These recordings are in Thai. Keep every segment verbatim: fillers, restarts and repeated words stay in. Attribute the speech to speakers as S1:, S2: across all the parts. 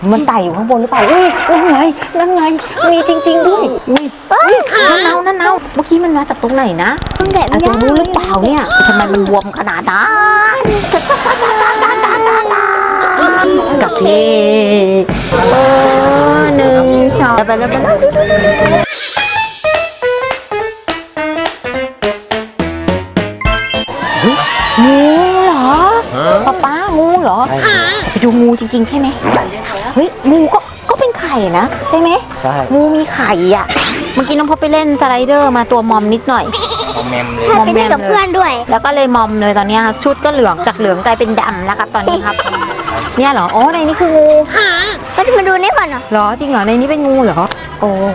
S1: มันไต่อยู่ข้างบนหรือเปล่าอุ้ยนั่นไงนั่นไงมีจริงๆด้วยอุ้ยนั่นเนานั่นเนาเมื่อกี้มันมาจากตรงไหนนะ
S2: ตรงไหน
S1: ไอ้ตรงนู้นหรือเปล่าเนี่ยทำไมมันบวมขนาดนั้นกับเล่เออหนึ่งสองไปแล้วไปแล้วงูเหรอป๊าป๊างูเหรอไปดูงูจริงๆใช่ไหมเฮ้ยงูก็ก็เป็นไข่นะใช่ไหมใช่งูมีไข่อ่ะเมื่อกี้น้องพบไปเล่นสไลเดอร์มาตัวมอมนิดหน่อย
S3: มอมแมมเลย
S2: ถ้าไปเล่นกับเพื่อนด้วย
S1: แล้วก็เลยมอมเลยตอนนี้ครับชุดก็เหลืองจากเหลืองกลายเป็นดำแล้วครับตอนนี้ครับเนี่ยเหรอโอ้ในนี้คืองู
S2: ก็จะมาดูนี่ก่อนเหรอ
S1: เหรอจริงเหรอในนี้เป็นงูเหรอโอ้โห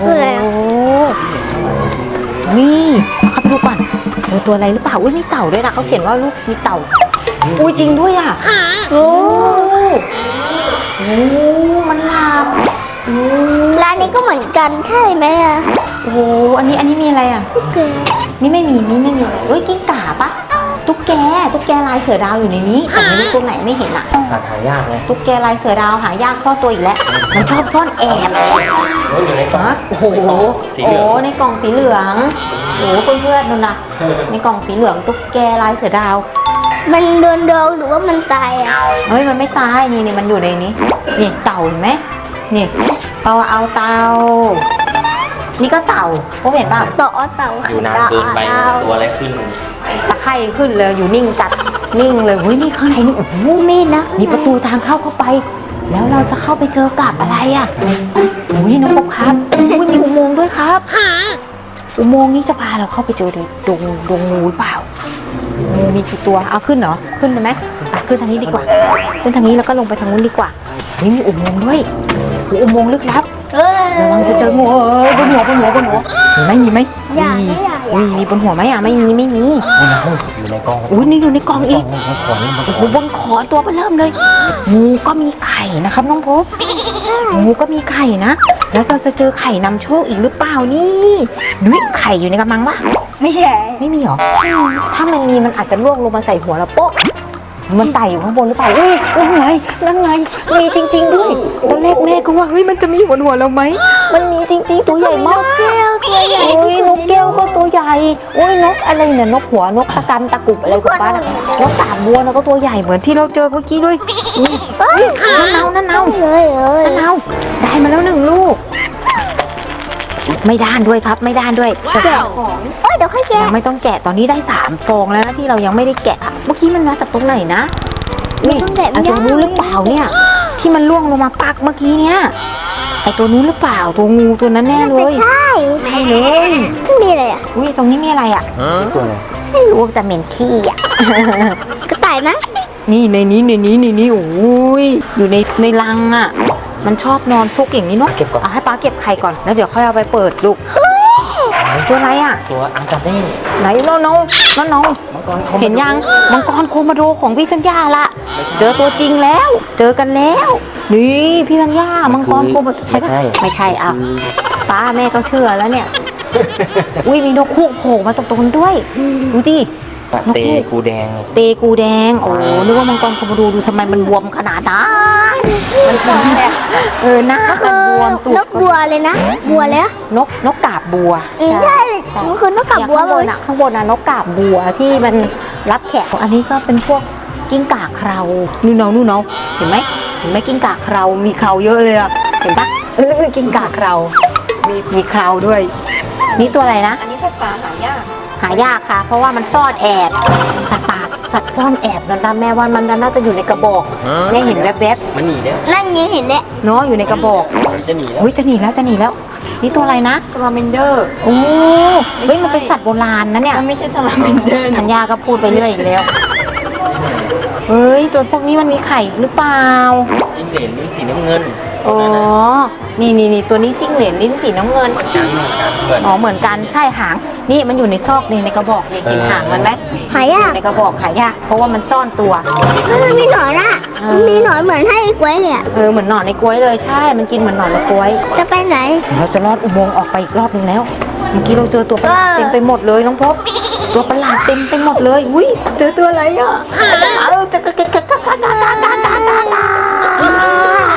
S1: นี่ครับดูก่อนเจอตัวอะไรหรือเปล่าอุ้ยมีเต่าด้วยนะเขาเขียนว่าลูกมีเต่าอุ้ยจริงด้วยอ่ะโอ้โหมันลาม
S2: ร้านนี้ก็เหมือนกันใช่ไหมอ่ะ
S1: โอ้โหอันนี้อันนี้มีอะไรอ่ะนี่ไม่มีนี่ไม่มีเอ้ยกิ้งก่าปะตุ๊กแกตุ๊กแกลายเสือดาวอยู่ในนี้แต่ไม่รู้ตัวไหนไม่เห็นอ่ะ
S3: หายากเลย
S1: ตุ๊กแกลายเสือดาวหายากซ่อนตัวอีกแล้วมันชอบซ่อนแอบ
S3: อยู่ในกล่อง
S1: โอ้โหโอ้ในกล่องสีเหลืองโอ้เพื่อนๆนู่นนะในกล่องสีเหลืองตุ๊กแกลายเสือดาว
S2: มันโดนโดนหรือว่ามันตายอ่ะ
S1: เฮ้ยมันไม่ตายนี่นี่มันอยู่ในนี้นี่เต่าเห็นไหมนี่เต่าเอาเต่านี่ก็เต่าพวกเห็นป่ะ
S2: ต่อเต่า
S3: อยู่นานเกินไปตัวอะไรขึ้น
S1: ตะไคร่ขึ้นเลยอยู่นิ่งจัดนิ่งเลยเฮ้ยนี่ข้างในนี่โอ้โห
S2: มีนะ
S1: นี่ประตูทางเข้าเข้าไปแล้วเราจะเข้าไปเจอกับอะไรอ่ะอุ้ยน้องพบครับอุ้ยมีอุโมงค์ด้วยครับอุโมงค์นี้จะพาเราเข้าไปเจอดงดงงูหรือเปล่างูมีกี่ตัวเอาขึ้นเหรอขึ้นได้ไหมไปขึ้นทางนี้ดีกว่าขึ้นทางนี้แล้วก็ลงไปทางนู้นดีกว่าเฮ้ยมีอุโมงค์ด้วยอุโมงค์ลึกลับระวังจะเจองูเอ้ยบนหัวบนหัวบนหัวมีไหมมีไหมมีอุ้ยมีบนหัวไหมอ่ะไม่มีไม่มี
S3: อยู่ในกล่อง
S1: อุ้ยนี่อยู่ในกล่องอีกโอ้โหบนขอนตัวเบเริ่มเลยงูก็มีไข่นะครับน้องพบงูก็มีไข่นะแล้วเราจะเจอไข่นำโชคอีกหรือเปล่านี่นุ้ยไข่อยู่ในกระมังวะ
S2: ไม่ใช่
S1: ไม่มีหรอถ้ามันมีมันอาจจะล่วงลงมาใส่หัวเราโป๊ะมันไต่อยู่ข้างบนหรือเปล่าอุ้ยนั่นไงนั่นไงมีจริงๆด้วยตอนแรกแม่ก็ว่าเฮ้ยมันจะมีบนหัวเราไหมมันมีจริงๆตัวใหญ่มาก
S2: นกแก้วตัวใหญ่
S1: อุ้ยนกแก้วก็ตัวใหญ่อุ้ยนกอะไรเนี่ยนกหัวนกตะกันตะกุบอะไรกับป้าน่ะนกกาบบัวนะก็ตัวใหญ่เหมือนที่เราเจอเมื่อกี้ด้วยอุ้ยนั่นเนานั่นเนา
S2: เลยเลย
S1: นั่นเนาได้มาแล้วหนึ่งลูกไม่ด้านด้วยครับไม่ด้านด้วย
S2: แกะของเอ้ยเดี๋ยวค่อยแกะ
S1: ยังไม่ต้องแกะตอนนี้ได้สามฟองแล้วนะที่เรายังไม่ได้แกะเมื่อกี้มันมาจากตรงไหนนะนี่ไอตัวนู้นหรือเปล่าเนี่ยที่มันล่วงลงมาปักเมื่อกี้เนี่ยไอตัวนู้นหรือเปล่าตัวงูตัวนั้นแน่เลย
S2: ใช่
S1: ใช่เลย
S2: ไม่มีอะไรอ่ะ
S1: อุ้ยตรงนี้มีอะไรอ่ะ
S3: ตัวอะไร
S1: ไม่รู้แต่เหม็นขี้อ่ะ
S2: กระต่ายไหม
S1: นี่ในนี้ในนี้ในนี้โอ้ยอยู่ในในรังอ่ะมันชอบนอนซุกอย่างนี้เนาะ
S3: เก็บก่อน
S1: เอาให้ป้าเก็บไข่ก่อนแล้วเดี๋ยวค่อยเอาไปเปิดลูกตัวอะไรอ่ะ
S3: ตัวอังกาเน่
S1: ไหนน้องน้องน้องน้องเห็นยังมังกรโคมาโดของพี่ธัญญาละเจอตัวจริงแล้วเจอกันแล้วนี่พี่ธัญญามังกรโคมาใช่ไหมไม่ใช่อ่ะป้าแม่ก็เชื่อแล้วเนี่ยอุ้ยมีนกฮูกโผล่มาตรงตรงนั้นด้วยดูดิ
S3: เตกูแดง
S1: เตกูแดงโอ้นึกว่ามังกรโคมาโดดูทำไมมันบวมขนาดนั้นมันกินแบบเออหน้ามันบวมตัวน
S2: กบัวเลยนะบัวเลย
S1: นกนกกาบบัว
S2: ใช่มันคือนกกาบบัว
S1: ข้างบนอ่ะข้างบนอ่ะนกกาบบัวที่มันรับแขกอันนี้ก็เป็นพวกกิ้งก่าเครานู่นเนานู่นเนาเห็นไหมเห็นไหมกิ้งก่าเครามีเคราเยอะเลยอ่ะเห็นปะเออกิ้งก่าเครามีมีเคราด้วยนี่ตัวอะไรนะอันนี้สัตว์ป่าหายากหายากค่ะเพราะว่ามันซ่อนแอบสัตว์ป่าสัตว์ซ่อนแอบนั่นนะแม่ว่ามันน่าจะอยู่ในกระบอกแม่เห็นแวบ
S3: ๆมันหนีแล้ว
S2: นั่นยังเห็นเนี่ย
S1: เนาะอยู่ในกระบอก
S3: จะหนีแล้ว
S1: เฮ้ยจะหนีแล้วจะหนีแล้วนี่ตัวอะไรนะ
S4: ซาลาเมนเดอร์
S1: โอ้เฮ้ยมันเป็นสัตว์โบราณนะเนี่ย
S4: มันไม่ใช่ซาลาเมนเดอร์
S1: ธัญญาก็พูดไปเรื่อยอีกแล้วเฮ้ยตัวพวกนี้มันมีไข่หรือเปล่า
S3: จิ้งเหลนลิ้นสีน้ำเงิน
S1: อ๋อนี่นี่นี่ตัวนี้จิ้งเหลนลิ้นสีน้ำเงินอ๋อเหมือนกันใช่หางนี่มันอยู่ในซอกนี่ในกระบอกนี่เห็นหางมันไหม
S2: หายาก
S1: ในกระบอกหายากเพราะว่ามันซ่อนตัว
S2: มันมีหนอนอ่ะมันมีหนอนเหมือนให้กล้วยเนี่ย
S1: เออเหมือนหนอนในกล้วยเลยใช่มันกินเหมือนหนอนในกล้วย
S2: จะไปไหน
S1: เราจะลอดอุโมงค์ออกไปอีกรอบนึงแล้วเมื่อกี้เราเจอตัวประหลาดเต็มไปหมดเลยน้องพบตัวประหลาดเต็มไปหมดเลยอุ้ยเจอตัวอะไรอ่ะเออจะกะกะกะกะกะกะกะกะกะ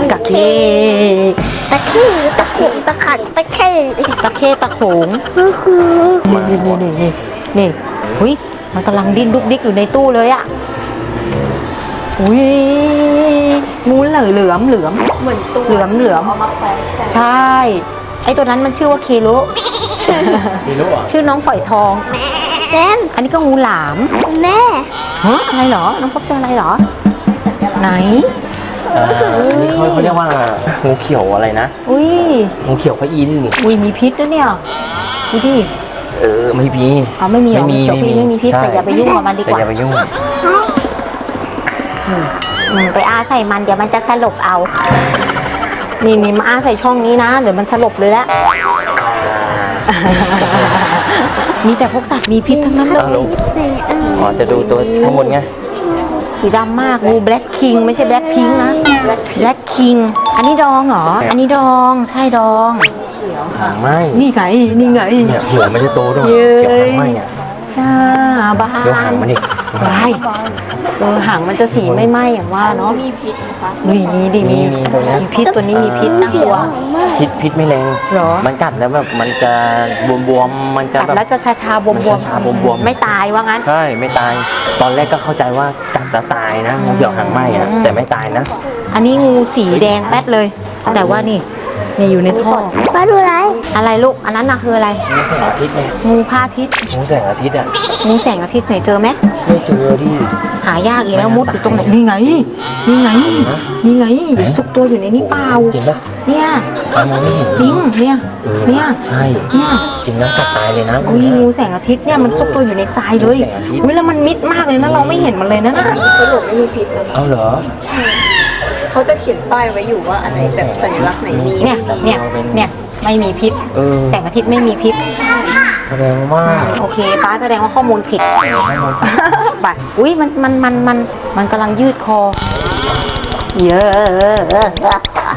S1: กะเค
S2: ตะขี้ตะขุ่ตะขันตะเข้
S1: ตะเคตะโขง
S2: ก็คือ
S1: นี่นี่นี่นี่นี่อุ้ยมันกำลังดิ้นดุกดิกอยู่ในตู้เลยอะอุ้ยงูเหลือเหลือมเหลือม
S4: เหมือนตัว
S1: เหลือมเหลือม
S4: เอามาแขวนแขวน
S1: ใช่ไอตัวนั้นมันชื่อว่าเคโล
S3: มีรู้อ่ะ
S1: ชื่อน้องปล่อยทอง
S2: แซม
S1: อันนี้ก็งูหลาม
S2: แม่
S1: ฮะอะไรเหรอน้องพบเจออะไรเหรอไหน
S3: อ่าอันนี้เขาเขาเรียกว่างูเขียวอะไรนะ
S1: อุ้ย
S3: งูเขียวพระอินทร์
S1: อุ้ยมีพิษด้วยเนี่ยดูดิ
S3: เออไม่มี
S1: เอาไม่มีเหรอ
S3: ไม่มี
S1: เขียวพิษไม่มีพิษ
S3: ใช่
S1: แต่อย่าไปยุ่งกับมันดีก
S3: แต่
S1: ว่า
S3: อย่าไปยุ่ง
S1: อืมอืมไปอ้าใส่มันเดี๋ยวมันจะสลบเอา นี่นี่มาอ้าใส่ช่องนี้นะเดี๋ยวมันสลบเลยละ มีแต่พวกสัตว์มีพิษทั้งนั้นเล
S3: อ้าวย ลูก
S2: สี่อัน
S3: อ๋อจะดูตัวข้างบนไง
S1: สีดำมากงูแบล็คคิงไม่ใช่แบล็คพิงนะแบล็คคิงอันนี้ดองเหรอ อันนี้ดองใช่ดอง
S3: หางไหม
S1: นี่ไงนี่ไง
S3: เนี่ยหัวไม่ได้โตด้วย
S1: เย้
S3: เกี่ยวหางไหมอ่ะ
S1: อ่าบ้า
S3: เดี๋ยวหางมันอีก
S1: บายเออหางมันจะสีไม่ไหม้อย่างว่าเนาะ
S4: มีพิษนะคะ
S1: มีมีดิมี
S3: มีตัวเนี้ย
S1: มีพิษตัวนี้มีพิษน่ากลัว
S3: พิษพิษไม่แรง
S1: เหรอ
S3: มันกัดแล้วแบบมันจะบวมๆมันจะ
S1: กัด
S3: แบบ
S1: แล้วจะชาชาๆบวม
S3: มัน
S1: บวม
S3: ชาๆบวมๆ
S1: ไม่ตายว่างั้น
S3: ใช่ไม่ตาย ตอนแรกก็เข้าใจว่ากัดแล้วตายนะงูเขียวหางไหมอ่ะ
S1: อืม
S3: แต่ไม่ตายนะ
S1: อันนี้งูสีแดงแป๊ดเลย แต่ว่านี่นี่อยู่ในท่อ
S2: มาดูอะไร
S1: อะไรลูกอันนั้นน่ะคืออะไร
S3: งูแสงอาทิตย์ไง
S1: งูพระอาทิตย์
S3: งูแสงอาทิตย์อ่ะ
S1: งูแสงอาทิตย์ไหนเจอไหม
S3: ไม่เจอที่
S1: หายากอีกแล้วมุดอยู่ตรงไหนนี่ไงนี่ไงนี่ไงอยู่ซุกตัวอยู่ในนี้เปล่า
S3: จริงปะ
S1: เนี่ย
S3: ตามองไม่เห็น
S1: จริงเนี่ย
S3: เออ
S1: เนี่ย
S3: ใช่
S1: เนี่ย
S3: จริงนะกัดตายเลยนะ
S1: อุ้ยงูแสงอาทิตย์เนี่ยมันซุกตัวอยู่ในทรายเลย
S3: งูแสงอาทิตย์
S1: อุ้ยแล้วมันมิดมากเลยนะเราไม่เห็นมันเลยนะน่ะ
S4: สรุปไม่มีพิษเลย
S3: เอาเหรอ
S4: เขาจะเขียนป้ายไว้อยู่ว่าอันไหนแบบสัญลักษณ์ไหนมี
S1: เนี่ยเนี่ยเนี่ยไม่มีพิษ
S3: เออ
S1: แสงอาทิตย์ไม่มีพิษ
S3: แสดงว่า
S1: โอเคป้าแสดงว่าข้อมูลผิดไปอุ้ยมันมันมันมันมันกำลังยืดคอเยอะ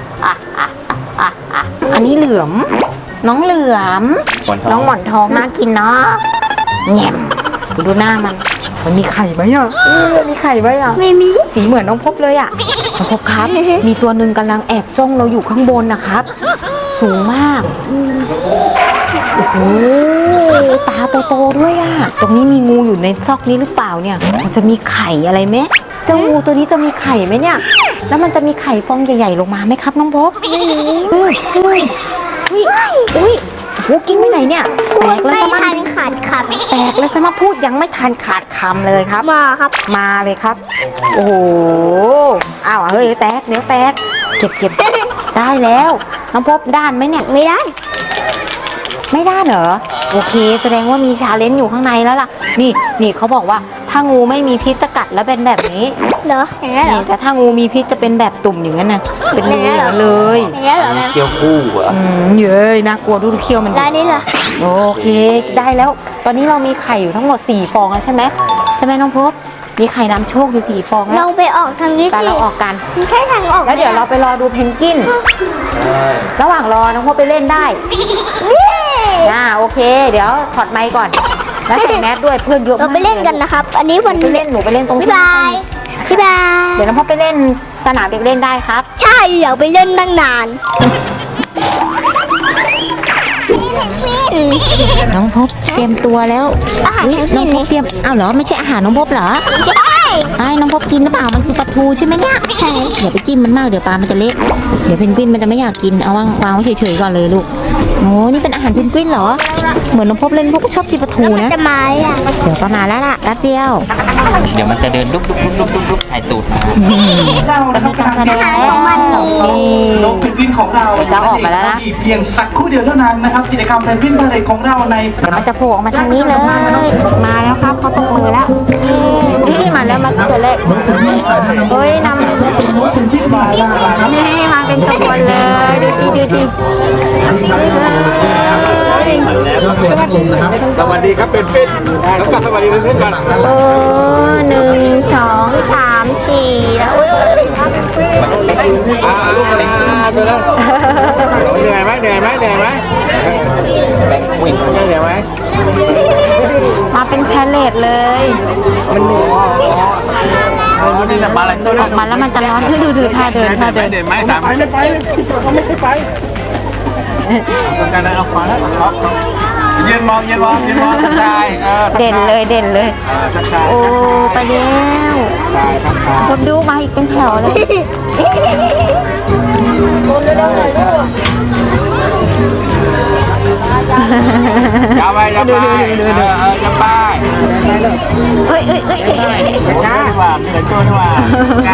S1: อันนี้เหลือม น้องเหลือม น้องหมอนทองน่ากินเนาะแง่มดูหน้ามัน มันมีไข่ไหมอ่ะเออมีไข่ไหมอ่ะ
S2: ไม่มี
S1: สีเหมือนน้องพบเลยอ่ะน้องพบครับ มีตัวหนึ่งกำลังแอบจ้องเราอยู่ข้างบนนะครับ สูงมาก โอ้โห ตาโตๆด้วยอ่ะ ตรงนี้มีงูอยู่ในซอกนี้หรือเปล่าเนี่ย มันจะมีไข่อะไรไหมเจ้างูตัวนี้จะมีไข่ไหมเนี่ย แล้วมันจะมีไข่ฟองใหญ่ๆลงมาไหมครับน้องพบไม่รู้เฮ้ยเฮ้ยอุ้ยอุ้ยโอ้โหกิ้งไปไหนเนี่ย แตกเลย
S2: ไม่
S1: ซะ
S2: ทั
S1: มั้
S2: น
S1: ง
S2: ขาดค
S1: แตกเลยซะมาพูดยังไม่ทันขาดคำเลยครับ
S2: ำมาครับ
S1: มาเลยครับ โอ้โห อ้าวเฮ้ยแตกเดี๋ยวแตก เก็บเก็บได้แล้ว น้องพบด้านไหมเนี่ย
S2: ไม่ได้
S1: ไม่ด้านเหรอ โอเค แสดงว่ามีชาเลนจ์อยู่ข้างในแล้วล่ะ นี่นี่เขาบอกว่าถ้างูไม่มีพิษจะกัดแล้วเป็นแบบนี้
S2: เหรออย่างนี้นเหร
S1: นี่
S2: อ
S1: แต่ถ้างูมีพิษจะเป็นแบบตุ่มอย่างนั้นน่ะ เป็นรูอย่างนั้นเลย
S2: อย่างนี้นเหรอแม่
S3: เกี่ยวคู่เหรอ
S1: อืมเย้ยน่ากลัวดูเขี้ยวมันดิ
S2: ร้านนี้เหรอ
S1: โอเค ได้แล้ว ตอนนี้เรามีไข่อยู่ทั้งหมดสี่ฟองแล้วใช่ไหมใช่ไหมน้องพบ มีไข่นำโชคอยู่สี่ฟองแล้
S2: เรา
S1: ว
S2: ไปออกทางนี้
S1: แต่
S2: สิ
S1: เราออกกัน
S2: มันแค่ทางออก
S1: แล้วเดี๋ยวเราไปรอดูเพนกวิน ระหว่างรอน้องพบไปเล่นได้
S2: นี่
S1: อ่าโอเค เดี๋ยวถอดไมค์ก่อน แล้วใส่แมสด้วยเพื่อนเยอะ
S2: เรา
S1: มาก
S2: ไปเล่นกันนะครับ อันนี้วัน
S1: ไปเล่นหนูไปเล่นตรง
S2: บ๊าย
S1: ที่
S2: บายบ๊ายบาย
S1: เดี๋ยวน้องพบไปเล่นสนามเด็กเล่นได้ครับ
S2: ใช่อยากไปเล่นตั้งนาน
S1: น้องพบเตรียมตัวแล้ว
S2: อาหาร
S1: เฮ้ย
S2: ทั้ง
S1: น้
S2: สิ้
S1: อง
S2: น
S1: พบเตรียมอ้าวเหรอไม่ใช่อาหารน้องพบเหรอ
S2: ใช่
S1: ไอ้น้องพบกินหรือเปล่ามันคือปลาทูใช่ไหมเนี่ย
S2: ใช่
S1: อย่าไปจิ้มมันมากเดี๋ยวปลามันจะเละเดี๋ยวเพนกวินมันจะไม่อยากกินเอาวางวางไว้เฉยๆก่อนเลยลูกโอ้นี่เป็นอาหารเพนกวินเหรอเหมือนน้องพบเล่นพวกชอบกินปลาทู
S2: แล้วมัน
S1: นะ
S2: จะมาอ่ะ
S1: เดี๋ยวประมาณแล้วล่ะแป๊บเดียว
S3: เดี๋ยวมันจะเดินลุกลุกลุกลุกลุกลุกถ่ายตูดมา
S1: จะมีการแสดงแล้วนี่
S5: นกเพนกวินของเรา
S1: จะออกมาแล้วนะ
S5: อีกเพียงสักครู่เดียวเท่านั้นนะครับกิจกรรมเพนกวินพาเหรดของเราใน
S1: เดี๋ยวมันจะโผล่ออกมาทางนี้เลย มาแล้วครับเขาตกมือแล้วนี่มาแล้วมาตัวเลขเฮ้ยนำนี่มาเป็นขบวนเลยดูดิดูดิ
S5: สวัสดีครับเป็นฟินแล้วก็สวัสดีเป็นฟินกัน
S1: เออหนึ่งสองสามสี่แล้วอุ้ย
S5: อ่า
S3: ตัวนั้นเหนื่อยไหมเหนื่อยไหมเหนื่อยไหมแบ่งวิ่งเหนื่อยไหม
S1: มาเป็นแพลเลตเลย
S3: มันเหนื่อยอ๋อนี่จะมาอะไรตัว
S1: อ
S3: นั้
S1: อน กมาแล้วมันจะร้อนคือดูดูท่าเดินท่าเดิน
S3: เด่นไหมถามไปไม่ไปเขาไม่ไปต้องการอะไรเอาขวาแล้วยืนมองยืนมองยืนมองทักทายเออ
S1: เด่นเลยเด่นเลย
S3: ทักทาย
S1: โอ้ไปแล้ว
S3: ทักทาย
S1: คนดูมาอีกเป็นแถวเลย
S3: อย่าไปอย่าไปเออเอออย่าไป
S1: เอ้ยเอ้ยเอ้ยเอ้ยเอ้ย
S3: จ้าดีกว่ามีหลายตัวดีกว่าจ้า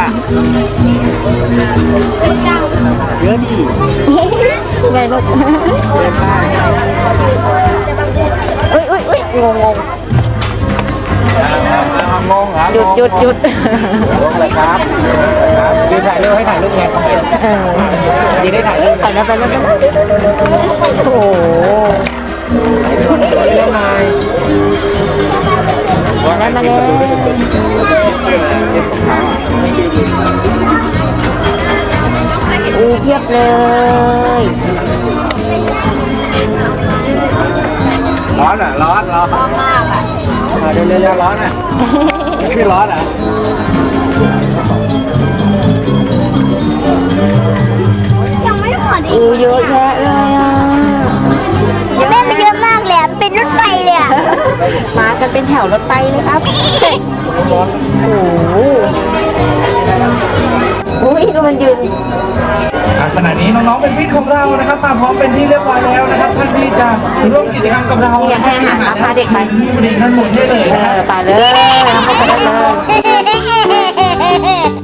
S3: เยอะดี
S1: ไงลูก
S3: เดินไป
S1: เอ้ยเอ้ยเอ้ยงงง
S3: งงเหรอ
S1: หยุดหยุดหยุด
S3: งงเลยครับยืนถ่ายรูปให้ถ่ายรูปไงยืนได้ถ่ายรูป
S1: ไปแล้วไปแล้วไปแล้วโอ้โห
S3: เล่นหน่อย
S1: มาแล้วมาแล้วอู้เพียบเลย
S3: ร้อนอ่ะร้อนร้อนมากอ่ะเดี๋ยวเร็วๆร้อนอ่ะไม่ร้อนอ่ะ
S2: ยังไม่หมดอี
S1: อู้
S2: ก
S1: เยอะแยะเลยอ่ะ
S2: แม่มันเยอะมากเลยอะเป็นรถไฟเลยอะ
S1: มากันเป็นแถวรถไฟเลยครับโอ้โหอุ้ยดูมันยืน
S5: ขณะนี้น้องๆเป็นพิษของเรานะครับมาพร้อมเป็นที่เรียบร้อยแล้วนะครับท่านที่จะร่วมกิจกรรมกับเรา
S1: อยากให้อาหารมาพาเด็กไป
S5: ที่บริการหมดได้เลย
S1: เอ
S5: นะครับ
S1: อไปเลยเอาเข้าไปได้เลย